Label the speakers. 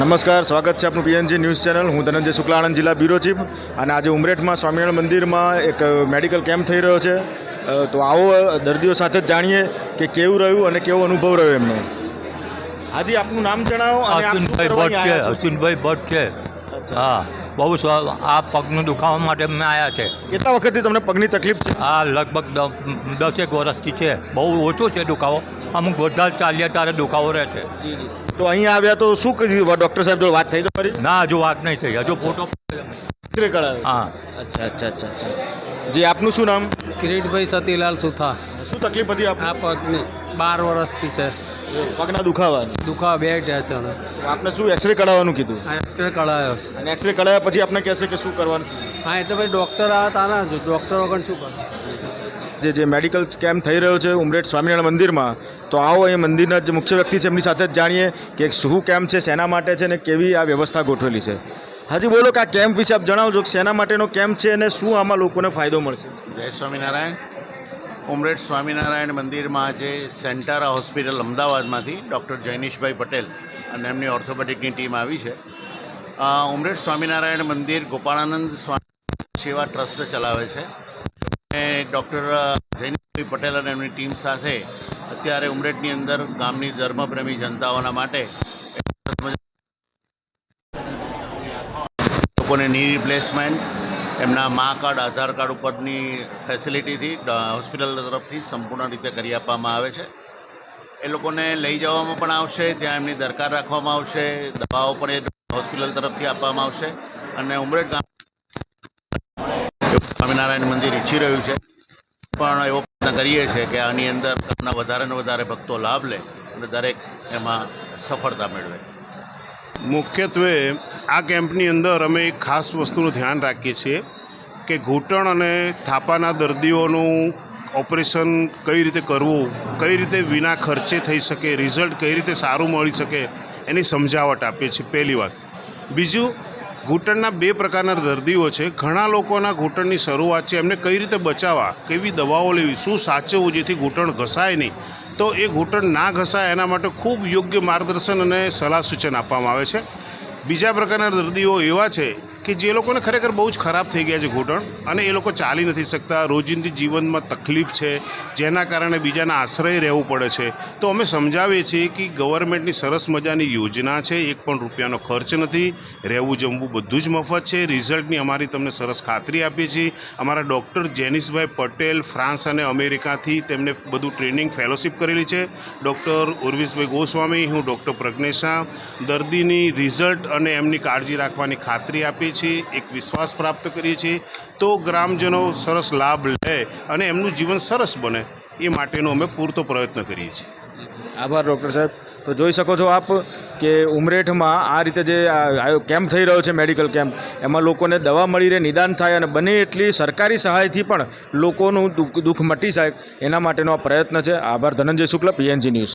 Speaker 1: નમસ્કાર, સ્વાગત છે આપનું પીએનજી ન્યૂઝ ચેનલ. હું ધનંજય શુક્લા, આણંદ જિલ્લા બ્યુરો ચીફ. અને આજે ઉમરેઠમાં સ્વામિનારાયણ મંદિરમાં એક મેડિકલ કેમ્પ થઈ રહ્યો છે. તો આવો દર્દીઓ સાથે જ જાણીએ કે કેવું રહ્યું અને કેવો અનુભવ રહ્યો એમનો. હાજી, આપનું નામ જણાવો. અને આપ શું કરવા અહીં આવ્યા છો?
Speaker 2: અશ્વિનભાઈ ભટ્ટ છે. હા, બહુ આ પગનું દુખાવા માટે અમે આવ્યા છે.
Speaker 1: કેટલા વખતથી તમને પગની તકલીફ છે?
Speaker 2: આ લગભગ 10 વર્ષથી છે. બહુ ઓછો છે દુખાવો. અમુક બધા ચાલીએ ત્યારે દુખાવો રહે છે.
Speaker 1: તો અહીં આવ્યા તો શું કર્યું? ડૉક્ટર સાહેબ જોડે વાત થઈ તમારી?
Speaker 2: ના, હજુ વાત નહીં થઈ. હજુ ફોટો
Speaker 1: એક્સરે કરાવ્યો?
Speaker 2: હા.
Speaker 1: અચ્છા. જી, આપનું શું નામ?
Speaker 3: કિરીટભાઈ સતીલાલ સુથા.
Speaker 1: શું તકલીફ હતી
Speaker 3: આ પગની 12 વર્ષથી છે.
Speaker 1: પગના દુખાવાની?
Speaker 3: દુખાવા બે ટેચણ.
Speaker 1: આપને શું એક્સરે કઢાવવાનું કીધું?
Speaker 3: આ એક્સરે કઢાયો.
Speaker 1: અને એક્સરે કઢાવ્યા પછી આપને કહેશે કે શું કરવાનું છે?
Speaker 3: હા, એટલે ભાઈ ડૉક્ટર આવ્યા હતા ને, ડૉક્ટર વગર શું કરે?
Speaker 1: જે મેડિકલ કેમ્પ થઈ રહ્યો છે ઉમરેઠ સ્વામિનારાયણ મંદિરમાં, તો આવો અહીં મંદિરના જે મુખ્ય વ્યક્તિ છે એમની સાથે જ જાણીએ કે શું કેમ્પ છે, શેના માટે છે અને કેવી આ વ્યવસ્થા ગોઠવેલી છે. હાજી, બોલો કે આ કેમ્પ વિશે આપ જણાવજો કે શેના માટેનો કેમ્પ છે અને શું આમાં લોકોને ફાયદો મળશે.
Speaker 4: જય સ્વામિનારાયણ. ઉમરેઠ સ્વામિનારાયણ મંદિરમાં આજે સેન્ટારા હોસ્પિટલ અમદાવાદમાંથી ડૉક્ટર જૈનિશભાઈ પટેલ અને એમની ઓર્થોપેડિકની ટીમ આવી છે. ઉમરેઠ સ્વામિનારાયણ મંદિર ગોપાળાનંદ સ્વામી સેવા ટ્રસ્ટ ચલાવે છે. અને ડૉક્ટર જૈનિશભાઈ પટેલ અને એમની ટીમ સાથે અત્યારે ઉમરેઠની અંદર ગામની ધર્મપ્રેમી જનતાઓના માટે લોકોને ની રિપ્લેસમેન્ટ એમના મા કાર્ડ, આધાર કાર્ડ ઉપરની ફેસિલિટીથી હોસ્પિટલ તરફથી સંપૂર્ણ રીતે કરી આપવામાં આવે છે. એ લોકોને લઈ જવામાં પણ આવશે, ત્યાં એમની દરકાર રાખવામાં આવશે, દવાઓ પણ એ હોસ્પિટલ તરફથી આપવામાં આવશે. અને ઉમરેઠ ગામ સ્વામિનારાયણ મંદિર ઈચ્છી રહ્યું છે, પણ એવો પ્રયત્ન કરીએ છીએ કે આની અંદર વધારે ને વધારે ભક્તો લાભ લે અને દરેક એમાં સફળતા મેળવે.
Speaker 5: મુખ્યત્વે આ કેમ્પની અંદર અમે એક ખાસ વસ્તુનું ધ્યાન રાખીએ છીએ કે ઘૂંટણ અને થાપાના દર્દીઓનું ઓપરેશન કઈ રીતે કરવું, કઈ રીતે વિના ખર્ચે થઈ શકે, રિઝલ્ટ કઈ રીતે સારું મળી શકે, એની સમજાવટ આપીએ છીએ. પહેલી વાત. બીજું, ઘૂંટણના 2 પ્રકારના દર્દીઓ છે. ઘણા લોકોના ઘૂંટણની શરૂઆત છે, એમને કઈ રીતે બચાવવા, કેવી દવાઓ લેવી, શું સાચવવું જેથી ઘૂંટણ ઘસાય નહીં. તો એ ઘૂંટણ ના ઘસાય એના માટે ખૂબ યોગ્ય માર્ગદર્શન અને સલાહ સૂચન આપવામાં આવે છે. બીજા પ્રકારના દર્દીઓ એવા છે કે જે લોકોને ખરેખર બહુ જ ખરાબ થઈ ગયા છે ઘૂંટણ, અને એ લોકો ચાલી નથી શકતા, રોજિંદી જીવનમાં તકલીફ છે, જેના કારણે બીજાના આશ્રય રહેવું પડે છે. તો અમે સમજાવીએ છીએ કે ગવર્મેન્ટની સરસ મજાની યોજના છે, 1 પણ રૂપિયાનો ખર્ચ નથી, રહેવું જમવું બધું જ મફત છે. રિઝલ્ટની અમારી તમને સરસ ખાતરી આપીએ છીએ. અમારા ડૉક્ટર જૈનિશભાઈ પટેલ ફ્રાન્સ અને અમેરિકાથી તેમને બધું ટ્રેનિંગ ફેલોશિપ કરેલી છે. ડૉક્ટર ઉર્વિશભાઈ ગોસ્વામી, હું ડૉક્ટર પ્રજ્ઞેશ શાહ દર્દીની રિઝલ્ટ અને એમની કાળજી રાખવાની ખાતરી આપીએ છીએ, એક વિશ્વાસ પ્રાપ્ત કરીએ છીએ. તો ગ્રામજનો સરસ લાભ લે અને એમનું જીવન સરસ બને એ માટેનો અમે પૂરતો પ્રયત્ન કરીએ છીએ.
Speaker 1: આભાર ડૉક્ટર સાહેબ. તો જોઈ શકો છો આપ કે ઉમરેઠમાં આ રીતે જે કેમ્પ થઈ રહ્યો છે મેડિકલ કેમ્પ, એમાં લોકોને દવા મળી રહે, નિદાન થાય અને બને એટલી સરકારી સહાયથી પણ લોકોનું દુઃખ મટી જાય એના માટેનો આ પ્રયત્ન છે. આભાર. Dhananjay Shukla, PNG news.